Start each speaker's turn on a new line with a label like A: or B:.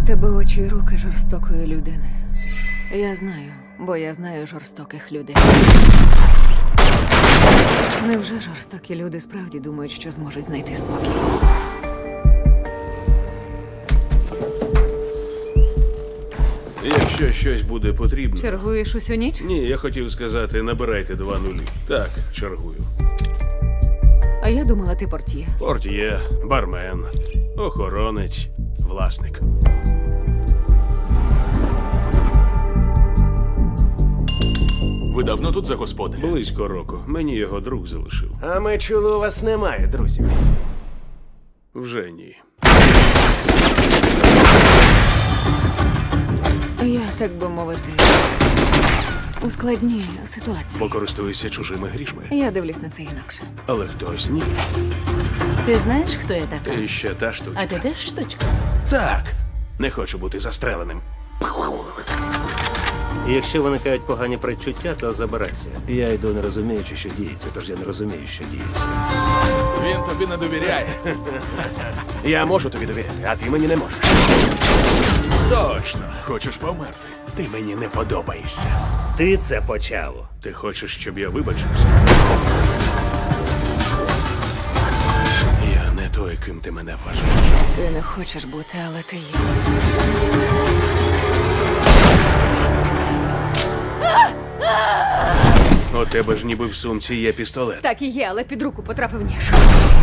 A: тебе очі й руки жорстокої людини. Я знаю, бо я знаю жорстоких людей. Невже жорстокі люди справді думають, що зможуть знайти спокій?
B: Якщо щось буде потрібно.
A: Чергуєш усю ніч?
B: Ні, я хотів сказати, набирайте 2 нулі. Так, чергую.
A: А я думала, ти портіє.
B: Портьє, бармен, охоронець, власник.
C: Ви давно тут за господаря?
B: Близько року. Мені його друг залишив.
D: А ми чули, у вас немає друзів.
B: Вже ні.
A: Я, так би мовити, у складній ситуації.
B: Бо користуюся чужими грішми.
A: Я дивлюсь на це інакше.
B: Але хтось ні.
E: Ти знаєш, хто я така?
B: Ти ще та штучка.
E: А ти теж штучка?
B: Так. Не хочу бути застреленим.
F: Якщо виникають погані предчуття, то забирайся. Я йду не розуміючи, що діється, тож я не розумію, що діється.
C: Він тобі не довіряє.
D: Я можу тобі довіряти, а ти мені не можеш.
B: Точно.
C: Хочеш померти?
B: Ти мені не подобаєшся.
F: Ти це почав.
B: Ти хочеш, щоб я вибачився? Я не той, ким ти мене вважаєш.
A: Ти не хочеш бути, але ти є.
B: У тебе ж ніби в сумці є пістолет.
A: Так і є, але під руку потрапив ніж.